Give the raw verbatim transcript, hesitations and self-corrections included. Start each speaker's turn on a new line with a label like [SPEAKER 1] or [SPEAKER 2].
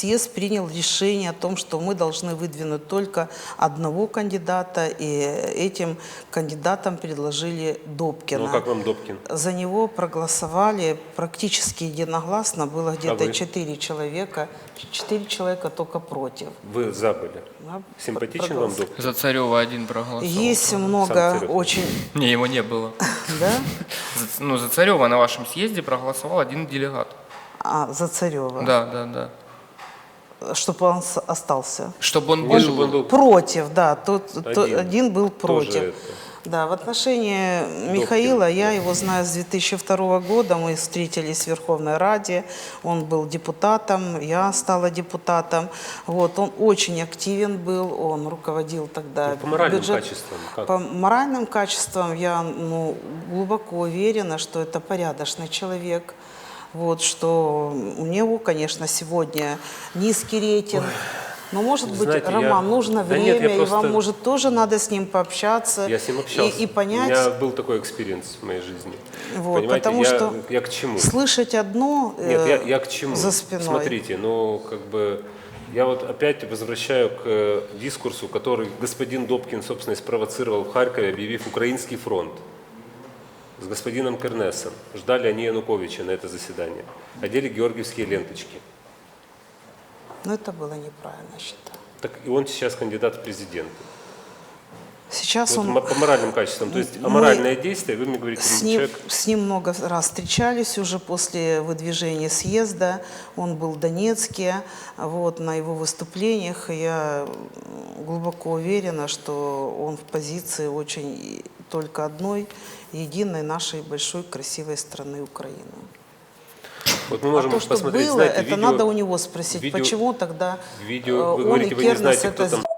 [SPEAKER 1] съезд принял решение о том, что мы должны выдвинуть только одного кандидата, и этим кандидатам предложили Добкина.
[SPEAKER 2] Ну, как вам Добкин?
[SPEAKER 1] За него проголосовали практически единогласно, было где-то
[SPEAKER 2] вы?
[SPEAKER 1] четыре человека, четыре человека только против.
[SPEAKER 2] Вы за были.
[SPEAKER 1] Да,
[SPEAKER 2] Симпатичен вам
[SPEAKER 1] проголос-
[SPEAKER 2] Добкин?
[SPEAKER 3] За Царева один проголосовал.
[SPEAKER 1] Есть много
[SPEAKER 2] Царев.
[SPEAKER 1] очень...
[SPEAKER 3] Не, его не было.
[SPEAKER 1] Да?
[SPEAKER 3] За- Ну, за Царева на вашем съезде проголосовал один делегат.
[SPEAKER 1] А, за Царева.
[SPEAKER 3] Да, да, да.
[SPEAKER 1] Чтобы он с- остался.
[SPEAKER 3] Чтобы он
[SPEAKER 2] Не, чтобы
[SPEAKER 3] был...
[SPEAKER 2] он был
[SPEAKER 1] Против, да. Тот, то-
[SPEAKER 2] Один.
[SPEAKER 1] один был
[SPEAKER 2] тоже
[SPEAKER 1] против.
[SPEAKER 2] это.
[SPEAKER 1] Да, в отношении Михаила, я его знаю с две тысячи второго года, мы встретились в Верховной Раде, он был депутатом, я стала депутатом. Вот, он очень активен был, он руководил тогда
[SPEAKER 2] Ну, по моральным
[SPEAKER 1] бюджет-
[SPEAKER 2] качествам как?
[SPEAKER 1] По моральным качествам я ну, глубоко уверена, что это порядочный человек. Вот, что у него, конечно, сегодня низкий рейтинг. Но, может быть,
[SPEAKER 2] Знаете, я-
[SPEAKER 1] Роман, нужно
[SPEAKER 2] Да нет,
[SPEAKER 1] время,
[SPEAKER 2] я
[SPEAKER 1] и
[SPEAKER 2] просто-
[SPEAKER 1] вам, может, тоже надо с ним пообщаться
[SPEAKER 2] Я с ним общался.
[SPEAKER 1] и, и понять.
[SPEAKER 2] У меня был такой экспириенс в моей жизни.
[SPEAKER 1] Вот,
[SPEAKER 2] Понимаете,
[SPEAKER 1] потому
[SPEAKER 2] я,
[SPEAKER 1] что
[SPEAKER 2] я к чему?
[SPEAKER 1] Слышать одно
[SPEAKER 2] Нет,
[SPEAKER 1] э,
[SPEAKER 2] я, я к чему?
[SPEAKER 1] за спиной.
[SPEAKER 2] Смотрите, ну, как бы, я вот опять возвращаю к э, дискурсу, который господин Добкин, собственно, и спровоцировал в Харькове, объявив Украинский фронт с господином Кернесом. Ждали они Януковича на это заседание. Одели георгиевские ленточки.
[SPEAKER 1] Но это было неправильно, считаю.
[SPEAKER 2] Так и он сейчас кандидат в президенты.
[SPEAKER 1] Сейчас
[SPEAKER 2] Вот
[SPEAKER 1] он...
[SPEAKER 2] м- по моральным качествам. То есть
[SPEAKER 1] Мы
[SPEAKER 2] аморальное действие, вы мне говорите,
[SPEAKER 1] С ним,
[SPEAKER 2] человек...
[SPEAKER 1] с ним много раз встречались уже после выдвижения съезда. Он был в Донецке. Вот, на его выступлениях я глубоко уверена, что он в позиции очень только одной, единой нашей большой красивой страны Украины.
[SPEAKER 2] Вот мы
[SPEAKER 1] А
[SPEAKER 2] можем
[SPEAKER 1] то, что
[SPEAKER 2] посмотреть,
[SPEAKER 1] было,
[SPEAKER 2] знаете,
[SPEAKER 1] это
[SPEAKER 2] видео...
[SPEAKER 1] надо у него спросить,
[SPEAKER 2] видео-
[SPEAKER 1] почему тогда
[SPEAKER 2] видео,
[SPEAKER 1] э,
[SPEAKER 2] вы
[SPEAKER 1] он
[SPEAKER 2] говорите,
[SPEAKER 1] и
[SPEAKER 2] вы не
[SPEAKER 1] Кернес
[SPEAKER 2] знаете,
[SPEAKER 1] это
[SPEAKER 2] кто там